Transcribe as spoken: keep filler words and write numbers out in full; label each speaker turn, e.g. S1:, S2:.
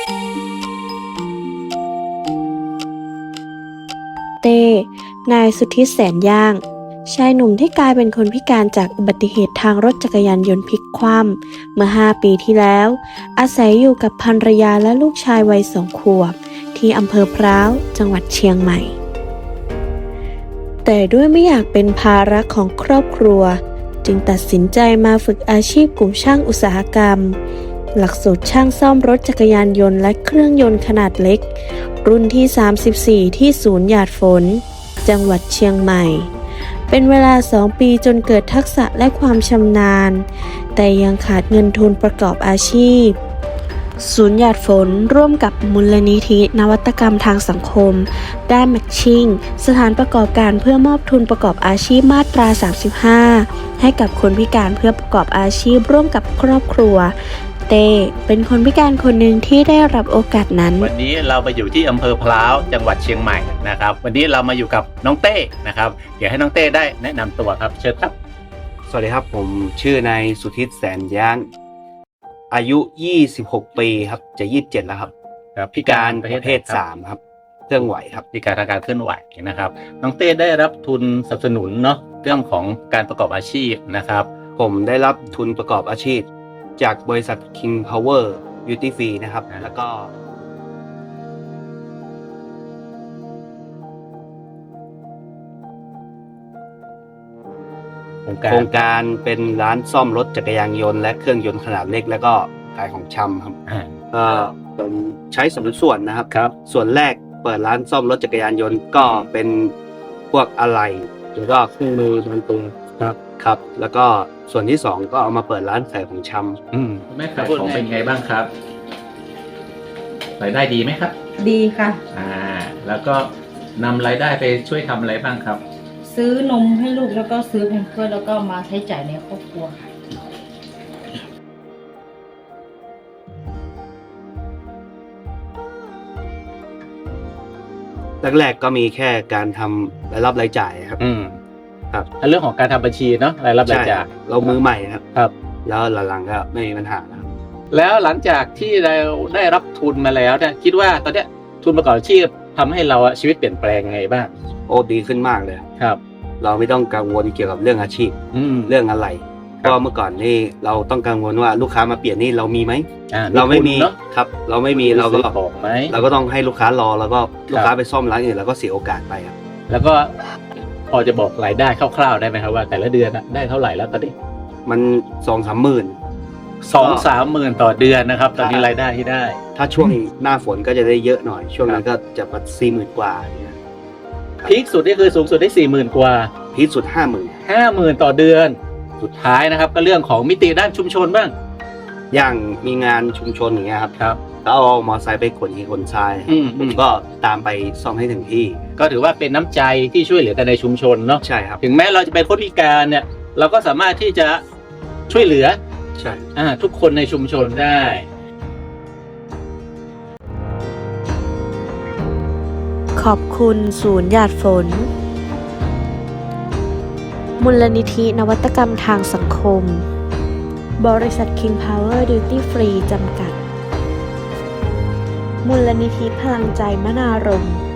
S1: เต้นายสุทธิแสนย่างชายหนุ่มที่กลายเป็นคนพิการจากอุบัติเหตุทางรถจักรยานยนต์พลิกคว่ำเมื่อห้าปีที่แล้ว อาศัยอยู่กับภรรยาและลูกชายวัยสองขวบที่อำเภอพร้าวจังหวัดเชียงใหม่แต่ด้วยไม่อยากเป็นภาระของครอบครัวจึงตัดสินใจมาฝึกอาชีพกลุ่มช่างอุตสาหกรรมหลักสูตรช่างซ่อมรถจักรยานยนต์และเครื่องยนต์ขนาดเล็กรุ่นที่สามสิบสี่ที่ศูนย์หยาดฝนจังหวัดเชียงใหม่เป็นเวลาสองปีจนเกิดทักษะและความชำนาญแต่ยังขาดเงินทุนประกอบอาชีพศูนย์หยาดฝนร่วมกับมูลนิธินวัตกรรมทางสังคมด้านแมทชิ่งสถานประกอบการเพื่อมอบทุนประกอบอาชีพมาตราสามสิบห้าให้กับคนพิการเพื่อประกอบอาชีพร่วมกับครอบครัวเต้เป็นคนพิการคนหนึ่งที่ได้รับโอกาสนั้น
S2: วันนี้เรามาอยู่ที่อำเภอพร้าวจังหวัดเชียงใหม่นะครับวันนี้เรามาอยู่กับน้องเต้นะครับเดี๋ยวให้น้องเต้ได้แนะนำตัวครับเชิญครับ
S3: สวัสดีครับผมชื่อนายสุทธิแสนย่างอายุยี่สิบหกปีครับจะยี่สิบเจ็ดแล้วครับพิการประเภทสามครับเครื่องไหวครับ
S2: พิการทางการเคลื่อนไหวนะครับน้องเต้ได้รับทุนสนับสนุนเนาะเรื่องของการประกอบอาชีพนะครับ
S3: ผมได้รับทุนประกอบอาชีพจากบริษัท King Power Beauty Free นะครับแล้วก็โครงการเป็นร้านซ่อมรถจักรยานยนต์และเครื่องยนต์ขนาดเล็กแล้วก็ขายของชำครับก็ผมใช้สมดุลส่วนนะครับ
S2: ครับ
S3: ส่วนแรกเปิดร้านซ่อมรถจักรยานยนต์ก็เป็นพวกอะไหล่แล้วก็เครื่องมือบางตัวครับครับแล้วก็ส่วนที่สองก็เอามาเปิดร้านขายของชำ
S2: อืมแม่ขายของเป็นไงบ้างครับรายได้ดีไหมครับ
S4: ดีค่ะ
S2: อ่าแล้วก็นำรายได้ไปช่วยทำอะไรบ้างครับ
S4: ซื้อนมให้ลูกแล้วก็ซื้อแพมเพิร์สแล้วก็มาใช้จ่ายในครอบครัวค่ะ
S3: แรกๆก็มีแค่การทำรายรับรายจ่ายครับ
S2: อืมครับเรื่องของการทำบัญชีเนาะรายรับรายจ่าย
S3: เรามือใหม่ครับ
S2: ครับ
S3: แล้วหลังๆก็ไม่มีปัญหาแล้ว
S2: แล้วหลังจากที่เราได้รับทุนมาแล้วเนี่ยคิดว่าตอนเนี้ยทุนประกอบอาชีพทำให้เราชีวิตเปลี่ยนแปลงไงบ้าง
S3: โอ้ดีขึ้นมากเลย
S2: ครับ
S3: เราไม่ต้องกังวลเกี่ยวกับเรื่องอาชีพเรื่องอะไรเพราะเมื่อก่อนนี่เราต้องกังวลว่าลูกค้ามาเปลี่ยนนี่เรามีไหมเราไม่มีครับเราไม่มีเราก็
S2: บอกไหม
S3: เราก็ต้องให้ลูกค้ารอแล้วก็ลูกค้าไปซ่อมร้านอื่นแล้วก็เสียโอกาสไปครับ
S2: แล้วก็พอจะบอกรายได้คร่าวๆได้ไหมครับว่าแต่ละเดือนได้เท่าไหร่แล้วตอนนี้
S3: มันสองสามหมื่น
S2: สองสามหมื่นต่อเดือนนะครับตอนนี้รายได้ที่ได้
S3: ถ้าช่วงหน้าฝนก็จะได้เยอะหน่อยช่วงนั้นก็จะประมาณสี่หมื่นกว่า
S2: พีคสุดนี่คือสูงสุดได้สี่หมื่นกว่า
S3: พีคสุดห้าหมื่น
S2: ห้าหมื่นต่อเดือนสุดท้ายนะครับก็เรื่องของมิติด้านชุมชนบ้าง
S3: อย่างมีงานชุมชนอย่างเงี้ยครับ
S2: ครับ
S3: ก็เอามอไซค์ไปขนหินขนทรายผมก็ตามไปซ่อมให้ถึงที่
S2: ก็ถือว่าเป็นน้ำใจที่ช่วยเหลือกันในชุมชนเนาะ
S3: ใช่ครับ
S2: ถึงแม้เราจะเป็นคนพิการเนี่ยเราก็สามารถที่จะช่วยเหลือ
S3: ใช่
S2: อ่าทุกคนในชุมชนได้
S1: ขอบคุณศูนย์หยาดฝนมูลนิธินวัตกรรมทางสังคมบริษัท King Power Duty Free จำกัดมูลนิธิพลังใจมนารมณ์